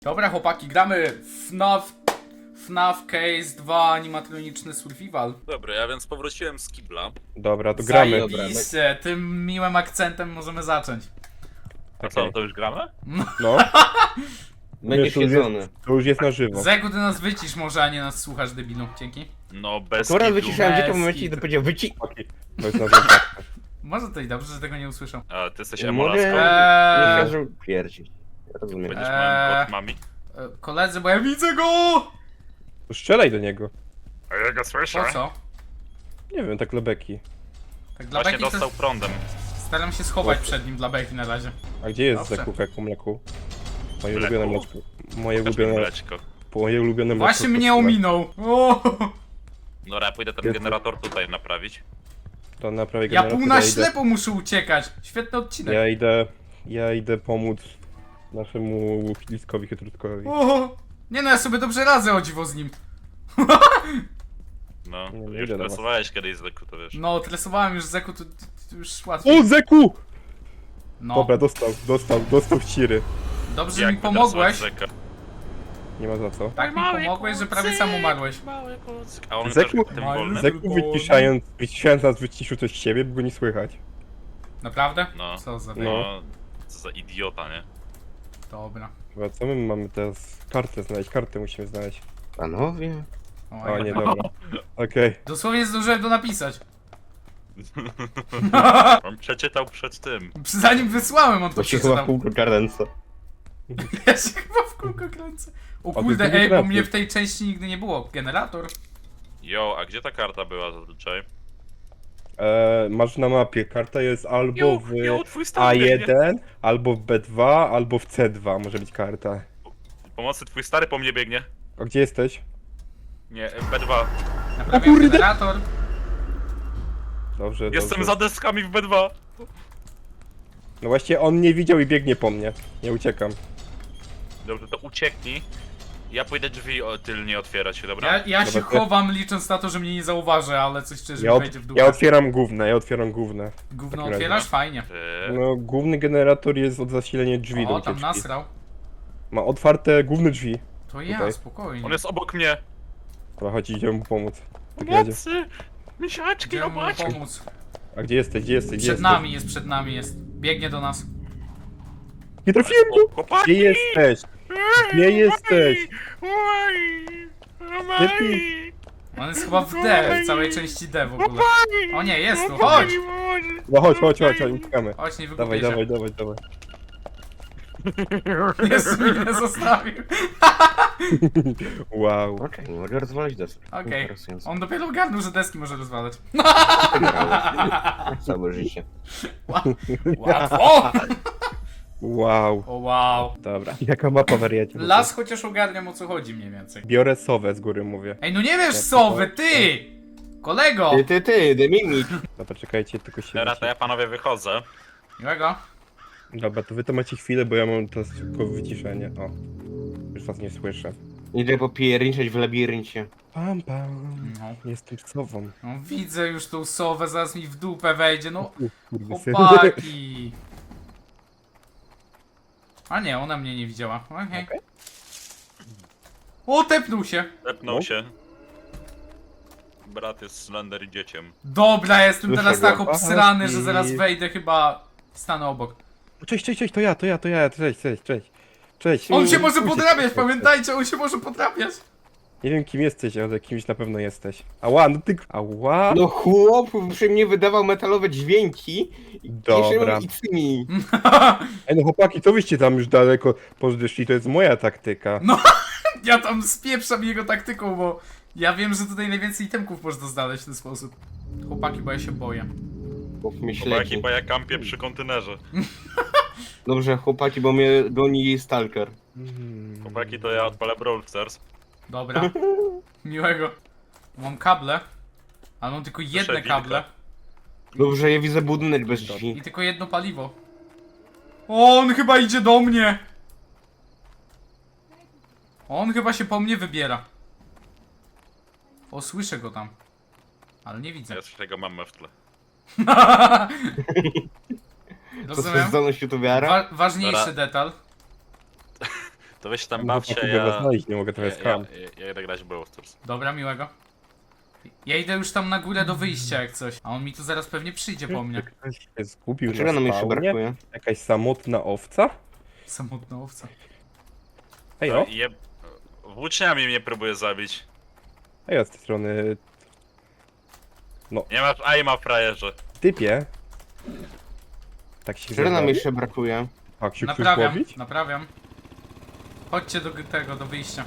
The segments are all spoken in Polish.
Dobra chłopaki, gramy FNAF Case 2 animatroniczny survival. Dobra, ja więc powróciłem z kibla. Dobra, to gramy. Zajebiście, tym miłym akcentem możemy zacząć. A co, to już gramy? No, Będzie Wiesz, to już siedzony. to już jest na żywo. Zegu, ty nas wycisz może, a nie nas słuchasz, debilu. Dzięki. No bez Akurat kitu. wyciszałem dziecko w Bez momencie, kitu. kiedy powiedział Okej, to jest na żywo. Może to i dobrze, że tego nie usłyszą. A, ty jesteś Mogę... emolaską? Nie każą pierdzić. Ja rozumiem. Będziesz moim godmami? Koledzy, bo ja widzę go! To strzelaj do niego. A ja go słyszę. Po co? Nie wiem, tak lebeki. Tak dla Właśnie Beki dostał to prądem. staram się schować przed nim dla Beki na razie. A gdzie jest Dobrze. Zeku, Keku, Mleku? Moje Mleku? ulubione mleczko. Moje Pokaż mi ulubione, mleczko. moje ulubione mleczko. Właśnie mnie kosztuje. ominął. O! Dobra, ja pójdę ten Jest- generator tutaj naprawić. To naprawię Ja generator, pół na idę, ślepo muszę uciekać. Świetny odcinek. ja idę pomóc naszemu Filiskowi Chytrutkowi. O! Nie no, ja sobie dobrze radzę o dziwo z nim. No, Nie, nie już idę do was. stresowałeś kiedyś zwykle, to wiesz. No, tresowałem już Zeku, to już łatwiej. O, Zeku! No, Dobra, dostał w ciry. dobrze mi Jak pomogłeś. wygasłeś Zeka? Nie ma za co. Tak mi pomogłeś, że prawie sam umarłeś. A on Zeku- też tym Mały wolnym. Zek- Zeku wyciszając nas wyciszył coś z siebie, bo go nie słychać. Naprawdę? No. Co za No, co za idiota, nie? Dobra. Chyba co my mamy teraz? Kartę znaleźć, kartę musimy znaleźć. Panowie. O nie, dobra. Okej. Dosłownie zdążyłem to napisać. On przeczytał przed tym. Zanim wysłałem, on to To się chyba w przeczytał. kółko kadenca. Ja się chyba w kółko kręcę. O to jest kurde, drugi ej, bo trafik. mnie w tej części nigdy nie było. Generator. Jo, a gdzie ta karta była zazwyczaj? Masz na mapie, karta jest albo w twój stary biegnie. A1, albo w B2, albo w C2 może być karta. Pomocy, twój stary po mnie biegnie. A gdzie jesteś? Nie, B2. Naprawiam kurde! generator. Dobrze, Jestem dobrze. za deskami w B2. No właśnie on nie widział i biegnie po mnie. Nie uciekam. Dobrze, to ucieknij. Ja pójdę drzwi tylnie otwierać, dobra? Ja się Dobra, to ja- chowam licząc na to, że mnie nie zauważy, ale coś szczerze Ja, mi wejdzie w dół. ja otwieram główne. Gówno takim razie. otwierasz? Fajnie. Ty. No, główny generator jest od zasilenia drzwi do O, tam ucieczki. nasrał. Ma otwarte główne drzwi. To ja, Tutaj. spokojnie. On jest obok mnie. Dobra, chodź, idziemy mu pomóc. W takim razie. Pomocy! Misiaczki, Idziemy mu robaczki! pomóc. A gdzie jesteś? Gdzie jesteś? Gdzie Przed jesteś? nami jest. Biegnie do nas. Nie trafiłem go! Chłopaki! Gdzie jesteś? Gdzie jesteś? Chłopaki! On jest chyba w D, w całej części D w ogóle. O nie, jest tu, chodź! No chodź, uciekamy. Chodź, nie Dawaj, wygubię dawaj, się. dawaj. Jezu, mnie zostawił. Wow. Okej, mogę rozwalić deskę. Okej, Interesujące. on dopiero ogarnął, że deski może rozwalać. Całe życie. Łatwo! Wow. O wow. Dobra. Jaka mapa wariacie? Las chociaż ogarniam, o co chodzi mniej więcej. Biorę sowę z góry, mówię. Ej, no nie wiesz sowy, ty! Kolego! Ty, The Mimik. Dobra, czekajcie, tylko się... Teraz to ja panowie wychodzę. Miłego. Dobra, to wy to macie chwilę, bo ja mam teraz tylko wyciszenie. O. Już was nie słyszę. Idę popierniczeć w labiryncie. Pam, pam. No. Jestem sową. No widzę już tą sowę, zaraz mi w dupę wejdzie, no Kurde, syn. chłopaki. A nie, ona mnie nie widziała, okej. Okej. O, tepnął się. Tepnął No. się. Brat jest slender dzieciem. Dobra, jestem Słyszę teraz go. tak obsrany, że I- zaraz wejdę, chyba stanę obok. Cześć, to ja, cześć. On się może Cześć. podrabiać, pamiętajcie, on się może podrabiać. Nie wiem kim jesteś, ale kimś na pewno jesteś. Ała, no ty... Ała! No chłop przy mnie wydawał metalowe dźwięki. Dobra. I tymi. Ej no chłopaki, co wyście tam już daleko poszli, to jest moja taktyka. Ja tam spieprzam jego taktyką, bo ja wiem, że tutaj najwięcej itemków można znaleźć w ten sposób. Chłopaki, bo ja się boję. Chłop mnie Chłopaki, śledzi. bo ja kampię przy kontenerze. Dobrze, chłopaki, bo mnie goni stalker. Chłopaki, to ja odpalę Brawl Stars. Dobra. Miłego. Mam kable. Ale mam tylko jedne Proszę, kable. Dobrze, ja widzę budynek bez drzwi. I tylko jedno paliwo. O, on chyba idzie do mnie. On chyba się po mnie wybiera. O, słyszę go tam. Ale nie widzę. Ja tego mam w tle. To jest Rozumiem. zdolność youtubiara? Ważniejszy Dobra. detal. To weź się tam No, bawcie, mogę ja... was znaleźć, nie mogę trochę ja, skam. ja idę grać w Brawl Stars. Dobra, miłego. Ja idę już tam na górę do wyjścia jak coś. A on mi tu zaraz pewnie przyjdzie po mnie. Ktoś się zgubił Czego nam na jeszcze spawnie? brakuje? Jakaś samotna owca? Samotna owca. Ej, o! Włóczniami mnie próbuje zabić. Ej, od tej strony... Nie ma aima, frajerze. Typie. Tak się Czego nam zrobi? jeszcze brakuje? Tak się chcesz Naprawiam, łowić? naprawiam. Chodźcie do tego, do wyjścia.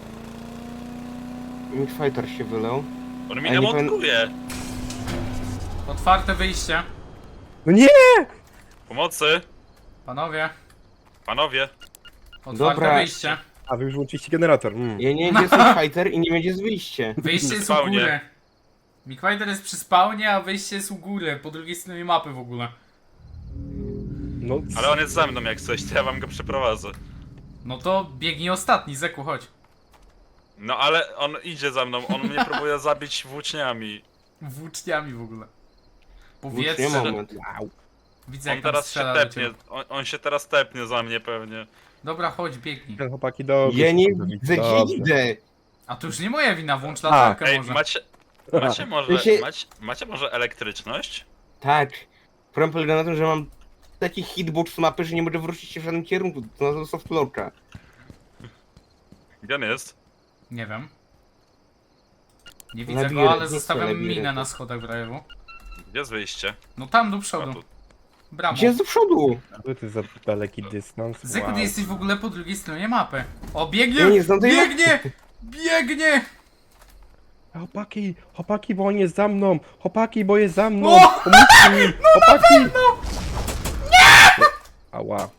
Fighter się wylał. On mi A nie demontuje. Otwarte wyjście. No nie! Pomocy. Panowie, Panowie. otwarte Dobra. wyjście. A wy już włączyliście generator. Ja nie wiem, gdzie jest fighter i nie wiem, gdzie jest wyjście. Wyjście jest u Spawnie. góry. Mikwider jest przy spawnie, a wyjście jest u góry, po drugiej stronie mapy w ogóle. No, Ale on jest za mną jak coś, to ja wam go przeprowadzę. No to biegnij ostatni, Zeku, chodź. No ale on idzie za mną, on mnie próbuje zabić włóczniami. Włóczniami w ogóle. Włócznie Powietrze. moment. Wow. Widzę On jak tam teraz się strzela do tepnie, ciebie. on się teraz tepnie za mnie pewnie. Dobra, chodź, biegnij. Ten chłopaki dobrze. Ja nie się widzę, gdzie dobrze. idę. A to już nie moja wina, włącz latarkę Ej, może. macie może, Wiecie- macie może elektryczność? Tak. Problem polega na tym, że mam taki hitbox mapy, że nie mogę wrócić się w żadnym kierunku. To na softloka. Gdzie on jest? Nie wiem. Nie Na widzę biurę, go, ale nie chcę zostawiam na biurę. minę na schodach w rajewu. Gdzie jest wyjście? No tam do A, przodu. tu. Bramą. Gdzie jest do przodu? Co to za daleki dystans? Zeku, Wow. ty jesteś w ogóle po drugiej stronie mapy. O, biegnie! Ja nie znam tej Biegnie! Biegnie! Chłopaki, bo on jest za mną! Chłopaki, bo jest za mną! O! Pomóżcie mi! Chłopaki! Nie! Ała.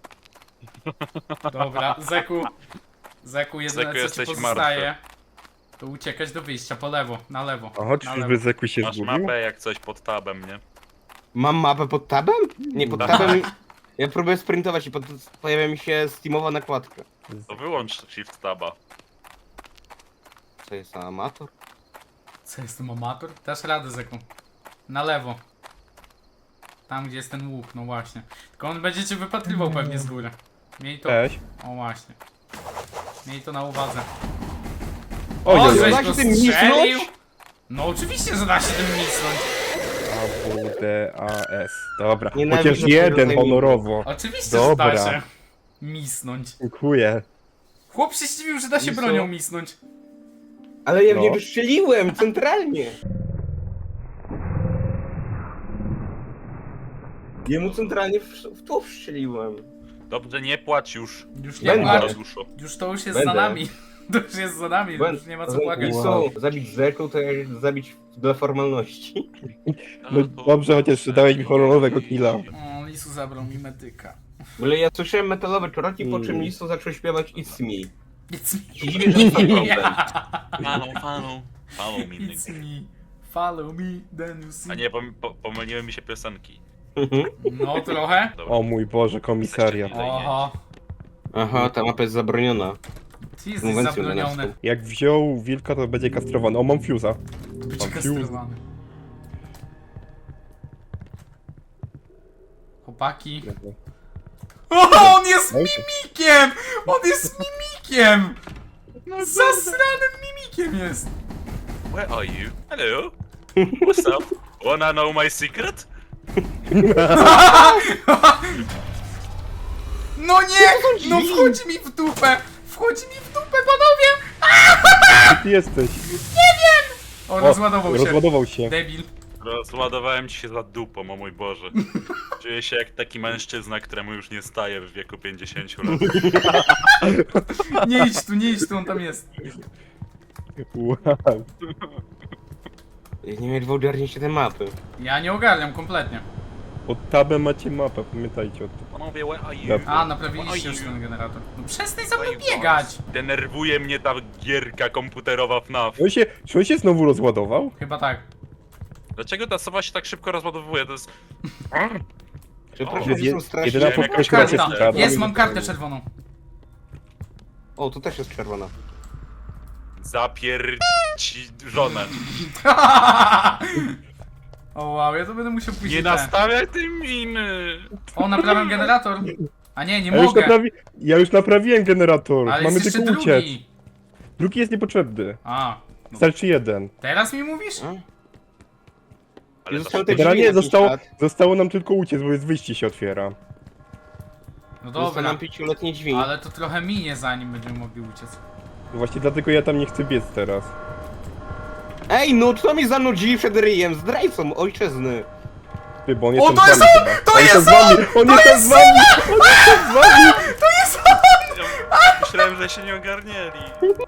Dobra, Zeku. Zeku, jedyne Zeku, co ci jesteś pozostaje, to uciekać do wyjścia, po lewo, na lewo. A chodź, na już lewo. by Zeku się Masz zgubił? mapę jak coś pod tabem, nie? Mam mapę pod tabem? Nie, pod Tak. tabem. Ja próbuję sprintować i pojawia mi się Steamowa nakładka. To wyłącz shift taba. Co jest amator? Co, jestem amator? Dasz radę, Zeku. Na lewo. Tam, gdzie jest ten łuk, no właśnie. Tylko on będzie cię wypatrywał pewnie z góry. Miej to... Cześć. O, właśnie. Miej to na uwadze. Oj, O, oj, żeś oj. go Da się tym strzelił? misnąć? No oczywiście, że da się tym misnąć. AWDAS. Dobra, Nienawidzę chociaż tego jeden rodzaju honorowo. Oczywiście, Dobra. że da się misnąć. Dziękuję. Chłop się zdziwił, że da się I co? bronią misnąć. Ale ja w No. niego strzeliłem, centralnie. Jemu centralnie w tło strzeliłem. Dobrze, nie płacz już. Już nie Będę. ma. Duszo. Już to już jest Będę. za nami. To już jest za nami, już nie ma co płakać. Wow. Zabić Zeku to jak zabić dla formalności. No dobrze, chociaż dałeś mi honorowego killa. O, Lisu zabrał mi medyka. W ogóle ja słyszałem metalowe czoroki, po czym Lisu zaczął śpiewać It's me. It's me. Dziwię, że to problem. Follow me, nigga. It's me. Follow me, then you see. A nie, pomyliły mi się piosenki. No trochę. Dobra. O mój Boże, komisariat. Oho. Aha, ta mapa jest zabroniona. Ty jesteś Konwencją zabroniony. genewską. Jak wziął wilka, to będzie kastrowany. O, mam fuse'a. Być Mam kastrowany. Chłopaki. O, on jest mimikiem! On jest mimikiem! Zasranym mimikiem jest! Where are you? Hello? What's up? Wanna know my secret? No nie! No wchodzi mi w dupę! Wchodzi mi w dupę, panowie! Gdzie ty jesteś? O, rozładował się. Rozładował się. Debil. Rozładowałem ci się za dupą, o mój Boże. Czuję się jak taki mężczyzna, któremu już nie staje w wieku 50 lat. Nie idź tu, on tam jest. Wow. Nie mieli ogarnięcie te mapy. Ja nie ogarniam kompletnie. Pod tabem macie mapę, pamiętajcie o tym. Panowie, where are you? Dobra. A, naprawiliście już ten generator. No przestań za mną biegać! Denerwuje mnie ta gierka komputerowa FNAF. Czy on się znowu rozładował? Chyba tak. Dlaczego ta sowa się tak szybko rozładowuje? To jest... Przepraszam, Jest że są strasznie... jedyna Jakaś podkreśla się Karta. skradła. Jest, mam kartę czerwoną. O, to też jest czerwona. Zapierci żonę. O wow, ja to będę musiał pójść. Nie nastawiaj tej miny! O, naprawiam generator. A nie, nie Ja już, mogę. ja już naprawiłem generator. Ale Mamy jest jeszcze tylko drugi. uciec. Drugi jest niepotrzebny. A, Starczy jeden. teraz mi mówisz? Ale Zostały to te Generalnie drzwi na 5 lat. zostało nam tylko uciec, bo jest wyjście się otwiera. No Zostały dobra, nam 5-letnie drzwi. ale to trochę minie zanim będziemy mogli uciec. Właśnie dlatego ja tam nie chcę biec teraz. Ej, no kto mi zanudzi przed ryjem? Zdrajcą ojczyzny. Ty, bo on O, jest to tam jest z wami on! chyba. To On jest tam z wami! On jest tam z wami! On jest tam z wami! myślałem, że się nie ogarnieli.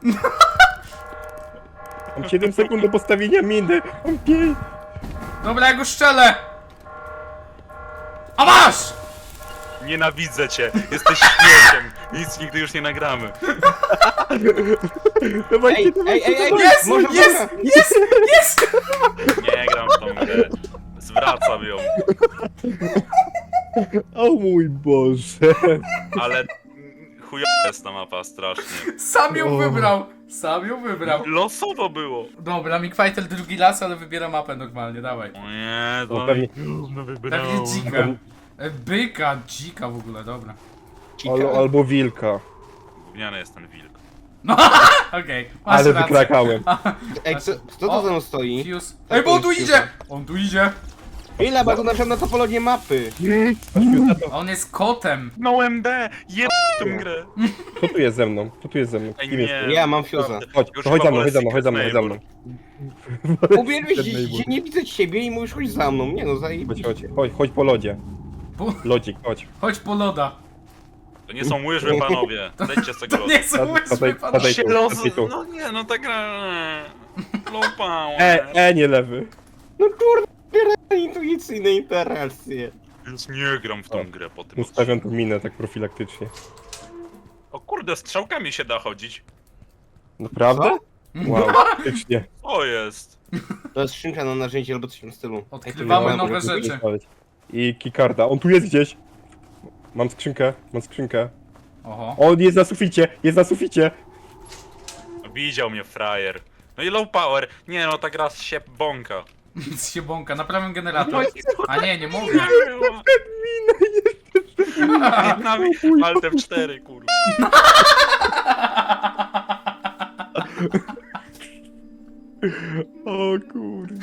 Mam 7 sekund do postawienia miny. Mam 5. Dobra, ja go strzelę! A masz! Nienawidzę cię, jesteś śmieciem. Nic nigdy już nie nagramy. Dawajcie, Ej, dawajcie, ej, ej, ej, Jest! może Jest! Jest! Jest! Nie gram w tą grę. Zwracam ją. O mój Boże. Ale chujowa jest ta mapa strasznie. Sam ją O. wybrał! Sam ją wybrał. Losowo było. Dobra, Mickfighter drugi raz, ale wybiera mapę normalnie, dawaj. O nie, No to pewnie. no wybrałem. Pewnie dzika. Byka, dzika w ogóle, dobra. Albo wilka. Gówniany jest ten wilk. No, okej, masz Ale rację. wykrakałem. Ej, kto O. to za mną stoi? Fuse. Ej, bo on tu idzie! On tu idzie! Ile, bo tu naszedł na topologię mapy. On jest kotem. No MD, jeb tą grę. Kto tu jest ze mną? Kto tu jest ze mną? Ej, Kim jest? nie. Ja mam Fuse'a. Chodź, Już to chodź za mną, chyba chodź za mną, wolę chodź za mną, chodź za mną. Uwierzysz, że nie widzę ciebie i mówisz chodź za mną. Nie no, Chodź, zajebiście. chodź po lodzie. Po, Lodzik, chodź. chodź po loda. To nie są łyżwy, panowie. Zejdźcie z tego To lodu. nie są Padaj, łyżwy, padaj. panowie. Się tu, los... padaj tu. No nie, no ta gra... Low power. Nie lewy. No kurde, intuicyjne interakcje. Więc nie gram w tą grę po tym Ustawiam tu minę tak profilaktycznie. O kurde, strzałkami się da chodzić. Naprawdę? Wow, faktycznie. O jest. To jest skrzynka na narzędzie albo coś w tym stylu. Odkrywamy Wow, nowe mogę tu rzeczy. zostawić. I keycarda. On tu jest gdzieś. Mam skrzynkę. Oho. On jest na suficie, jest na suficie. Widział mnie frajer. No i low power. Nie no, ta gra się bąka. Nic się bąka, naprawiam generator. No i A nie, nie mogę. Nami Alt F4, kurwa. O kurde.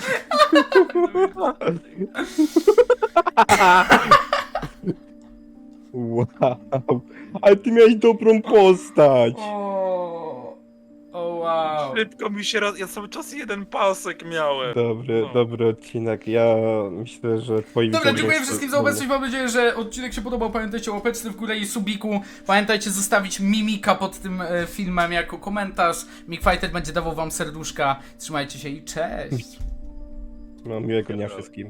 Wow. Ale ty miałeś dobrą postać. O, wow. Szybko mi się ja cały czas jeden pasek miałem. Dobry odcinek. Ja myślę, że twoi Dobra, widzowie dziękuję są- wszystkim za obecność. Mam nadzieję, że odcinek się podobał. Pamiętajcie o łapeczce w górę i subiku. Pamiętajcie zostawić mimika pod tym filmem jako komentarz. Mickfighter będzie dawał wam serduszka. Trzymajcie się i cześć. No, miłego dnia wszystkim.